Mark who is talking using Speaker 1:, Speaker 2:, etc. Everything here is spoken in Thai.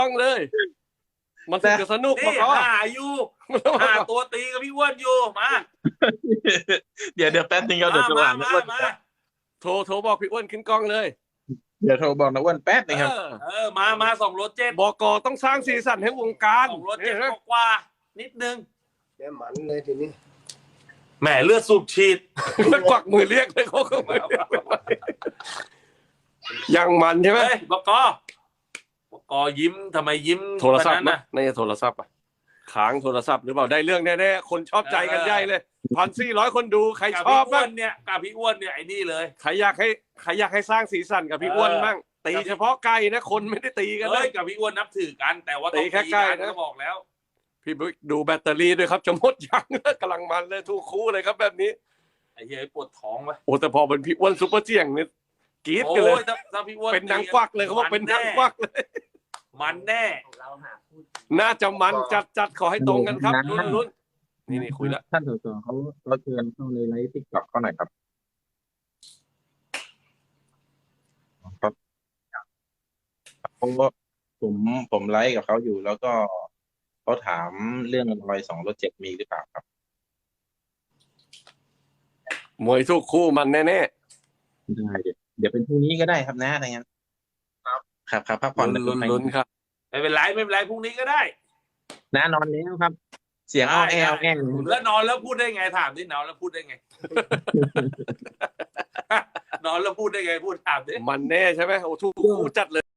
Speaker 1: ต้องเลย มันถึงจะสนุก
Speaker 2: นี่
Speaker 1: ก็
Speaker 2: หาอยู่หาตัวตีกับพี่อ้วนอยู่มา
Speaker 3: เดี๋ยวแป๊บนึงครับเดี๋ยวโทรหาน้าอ้วน
Speaker 2: มา
Speaker 1: โทรบอกพี่อ้วนขึ้นกล้องเลย
Speaker 3: เดี๋ยวโทรบอกน้าอ้วนแป๊บนึงครับ
Speaker 2: มา2 รถ 7
Speaker 1: บกต้องสร้างสีสันให้วงการ
Speaker 2: 2 รถ 7กว่านิดนึง
Speaker 4: แกมันเลยทีนี้
Speaker 2: แหมเลือดสูบฉีด
Speaker 1: กวักมือเรียกเลยเขาก็ไม่ยังมันใช่ไหม
Speaker 2: เฮ้ยบกยิ้มทำไมยิ้ม
Speaker 1: โทรศัพท์
Speaker 2: แบบนั้น
Speaker 1: นะ
Speaker 2: น่ะ
Speaker 1: ในโทรศัพท์อ่ะค้างโทรศัพท์หรือเปล่าได้เรื่องแน่ๆคนชอบใจกันใหญ่เลย1,400 คนดูใคร
Speaker 2: กับ
Speaker 1: ชอบ
Speaker 2: พี่อ้ว
Speaker 1: บ้าง
Speaker 2: นเนี่ยกับพี่อ้วนเนี่ยไอ้นี่เลย
Speaker 1: ใครอยากให้สร้างสีสันกับพี่อ้วนบ้างตีเฉพาะไก่นะคนไม่ได้ตีกัน
Speaker 2: เฮ้
Speaker 1: นะ
Speaker 2: ยกับพี่อ้วนนับถือกันแต่ว่าต้อง
Speaker 1: ตีแค่
Speaker 2: ตี
Speaker 1: ใกล้
Speaker 2: กัน
Speaker 1: นะ
Speaker 2: ก็บอกแล้ว
Speaker 1: พี่บิ๊กดูแบตเตอรี่ด้วยครับจะหมดยังกำลังมันเลยทุกคู่เลยครับแบบนี้
Speaker 2: ไอ้เหี้ยปวดท้องไป
Speaker 1: โอ้แต่พอเป็นพี่อ้วนซุปเปอร์เจียงเนี่ยกรี๊ด
Speaker 2: โอ้
Speaker 1: กันเลย
Speaker 2: ยถ้าพี่อ้วน
Speaker 1: เป็นนางกวักเลยเขาบอกเป็นนางกวักเลย
Speaker 2: มันแน่
Speaker 1: น่าจะมันจัดขอให้ตรงกันครับลุ้นนี่คุยละ
Speaker 3: ท่านสสเขาเชิญเข้าในไลฟ์ติ๊กต็อกเขาหน่อยครับครับเพราะว่าผมไลฟ์กับเขาอยู่แล้วก็เขาถามเรื่องรอย2 รถ 7มีหรือเปล่าครับ
Speaker 1: มวยทุกคู่มันแน่
Speaker 3: ได้เดี๋ยวเป็นพรุ่งนี้ก็ได้ครับนะอะไรเงี้ยครับพักผ่อน
Speaker 1: ๆลุ้นครับ
Speaker 2: ไม่เป็นไรพรุ่งนี้ก็ได้
Speaker 3: นะนอนแล้วครับ เสียงอ้อแอวแง่ง
Speaker 2: แล้วนอนแล้วพูดได้ไงถามดินอนแล้วพูดได้ไง นอนแล้วพูดได้ไงพูดถามดิ
Speaker 1: มันแน่ใช่ไหมโอ้ทุกคู่จัดเลย